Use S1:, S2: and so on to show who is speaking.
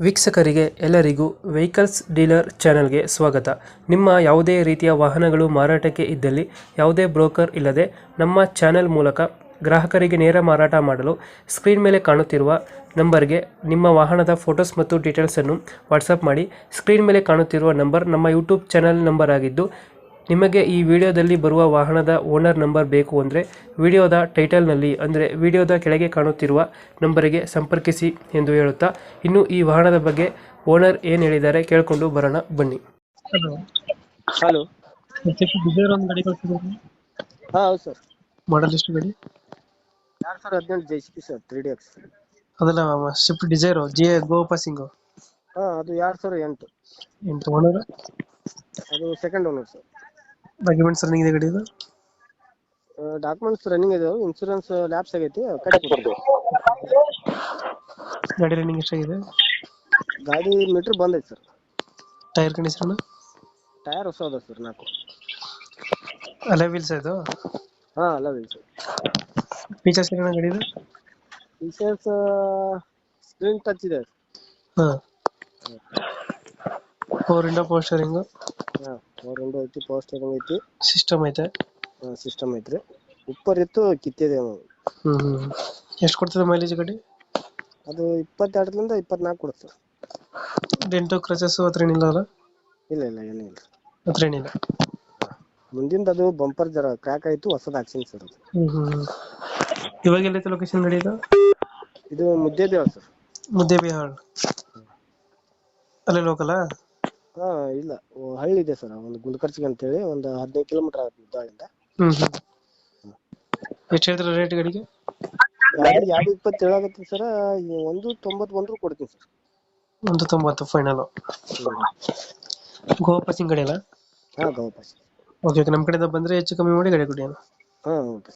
S1: ವೀಕ್ಷಕರಿಗೆ ಎಲ್ಲರಿಗೂ vehicles dealer ಚಾನೆಲ್ಗೆ ಸ್ವಾಗತ. ನಿಮ್ಮ ಯಾವುದೇ ರೀತಿಯ ವಾಹನಗಳು ಮಾರಾಟಕ್ಕೆ ಇದ್ದಲ್ಲಿ ಯಾವುದೇ ಬ್ರೋಕರ್ ಇಲ್ಲದೆ ನಮ್ಮ ಚಾನೆಲ್ ಮೂಲಕ ಗ್ರಾಹಕರಿಗೆ ನೇರ ಮಾರಾಟ ಮಾಡಲು ಸ್ಕ್ರೀನ್ ಮೇಲೆ ಕಾಣುತ್ತಿರುವ ನಂಬರ್ಗೆ ನಿಮ್ಮ ವಾಹನದ ಫೋಟೋಸ್ ಮತ್ತು ಡೀಟೇಲ್ಸನ್ನು ವಾಟ್ಸಪ್ ಮಾಡಿ. ಸ್ಕ್ರೀನ್ ಮೇಲೆ ಕಾಣುತ್ತಿರುವ ನಂಬರ್ ನಮ್ಮ ಯೂಟ್ಯೂಬ್ ಚಾನೆಲ್ ನಂಬರ್ ಆಗಿದ್ದು, ನಿಮಗೆ ಈ ವಿಡಿಯೋದಲ್ಲಿ ಬರುವ ವಾಹನದ ಓನರ್ ನಂಬರ್ ಬೇಕು ಅಂದರೆ ವಿಡಿಯೋದ ಟೈಟಲ್ನಲ್ಲಿ ಅಂದರೆ ವಿಡಿಯೋದ ಕೆಳಗೆ ಕಾಣುತ್ತಿರುವ ನಂಬರಿಗೆ ಸಂಪರ್ಕಿಸಿ ಎಂದು ಹೇಳುತ್ತಾ, ಇನ್ನು ಈ ವಾಹನದ ಬಗ್ಗೆ ಓನರ್ ಏನು ಹೇಳಿದ್ದಾರೆ ಕೇಳಿಕೊಂಡು ಬರೋಣ ಬನ್ನಿ. Hello,
S2: hello.
S1: ಡಿಸೈರ್ ಒಂದು ಗಾಡಿ ಕಳಿಸಿದ್ರು,
S2: ಹಾ ಹೌದು ಸರ್.
S1: ಮಾಡಲ್ ಎಷ್ಟು ಗಾಡಿ?
S2: 2018 JCB ಸರ್, 3DX.
S1: ಅದೆಲ್ಲ ಸ್ವಿಫ್ಟ್ ಡಿಸೈರ್ ಜಿ ಗೋ ಪಾಸಿಂಗು.
S2: ಹಾ, ಅದು 2008.
S1: ಎಂಟು ಓನರ್.
S2: ಅದು second owner sir.
S1: Documents running ಇದೆ ಗಾಡಿದು?
S2: ಡಾಕ್ಯುಮೆಂಟ್ಸ್ ರನ್ನಿಂಗ್ ಇದಾವೆ, ಇನ್ಶೂರೆನ್ಸ್ ಲ್ಯಾಪ್ಸ್ ಆಗೈತಿ, ಕಟ್ಟಿ.
S1: ಗಾಡಿ ರನ್ನಿಂಗ್ ಎಷ್ಟಾಗಿದೆ?
S2: ಗಾಡಿ ಮೀಟರ್ ಬಂದೈತಿ ಸರ್.
S1: Tyre condition?
S2: ಟೈರ್ ಹೊಸ ಅದ ಸರ್, 4.
S1: ಅಲೈ ವೀಲ್ಸ್ ಇದು?
S2: ಹಾ, ಅಲ್ಲ ಸರ್.
S1: ಫೀಚರ್ಸ್ ಏನೇನು ಗಾಡಿದು?
S2: ಫೀಚರ್ಸ್ ಸ್ಕ್ರೀನ್ ಟಚ್ ಇದೆ.
S1: ಹಾಂ, 4 ವಿಂಡೋ ಪವರ್ ಸ್ಟೀರಿಂಗ್.
S2: ಹಾ, 4 ವಿಂಡೋ ಐತಿ, ಪವರ್ ಸ್ಟೀರಿಂಗ್ ಐತಿ,
S1: ಸಿಸ್ಟಮ್ ಐತೆ.
S2: ಸಿಸ್ಟಮ್ ಐತ್ರಿ. ಉಪ್ಪರ್ ಇತ್ತು, ಕಿತ್ತಿದೆ.
S1: ಎಷ್ಟು ಕೊಡ್ತದೆ ಮೈಲೇಜ್ ಗಾಡಿ?
S2: ಅದು 22ರಿಂದ 24 ಕೊಡುತ್ತೆ ಸರ್.
S1: ಡೆಂಟು ಕ್ರಚಸ್ ಹತ್ರ ಏನಿಲ್ಲ ಅಲ್ಲ?
S2: ಇಲ್ಲ ಇಲ್ಲ, ಏನೂ ಇಲ್ಲ.
S1: ಹತ್ರ ಏನಿಲ್ಲ.
S2: ಮುಂದಿಂದ ಅದು ಬಂಪರ್ ಜರ ಕ್ರ್ಯಾಕ್ ಆಯ್ತು, ಹೊಸದ ಹಾಕ್ಸಿನಿ ಸರ್. ಅದು
S1: ಇವಾಗ ಎಲ್ಲೈತೆ ಲೊಕೇಶನ್ ಗಾಡಿ ಇದು?
S2: ಇದು ಮುದ್ದೇಬಿಹಾಳ ಸರ್.
S1: ಮುದ್ದೇಬಿಹಾಳ್ ಅಲ್ಲೇ ಲೋಕಲಾ?
S2: ಹಾ, ಇಲ್ಲ, ಹಳ್ಳಿ ಇದೆ ಸರ್, ಒಂದು ಗುಂಡ್ಕರ್ಚಿಗೆ ಅಂತೇಳಿ, ಒಂದು 15 ಕಿಲೋಮೀಟರ್ ಆಗುತ್ತೆ ಮುದ್ದಾಳಿಂದ.
S1: ಎಷ್ಟು ಹೇಳ್ತೀರಾ ರೇಟ್ ಗಾಡಿಗೆ?
S2: ಗಾಡಿ 220 ಆಗತ್ತೆ ಸರ್. 191 ಕೊಡ್ತೀನಿ ಸರ್.
S1: 190 ಫೈನಲ್. ಗೋ ಪಾಸಿಂಗ್ ಗಾಡಿ ಅಲ್ಲ?
S2: ಹಾ, ಗೌಪಾಸ್.
S1: ಓಕೆ, ನಮ್ಮ ಕಡೆಯಿಂದ ಬಂದರೆ ಹೆಚ್ಚು ಕಮ್ಮಿ ಮಾಡಿ ಗಾಡಿ ಕೊಡಿ.
S2: ಹಾ, ಓಕೆ.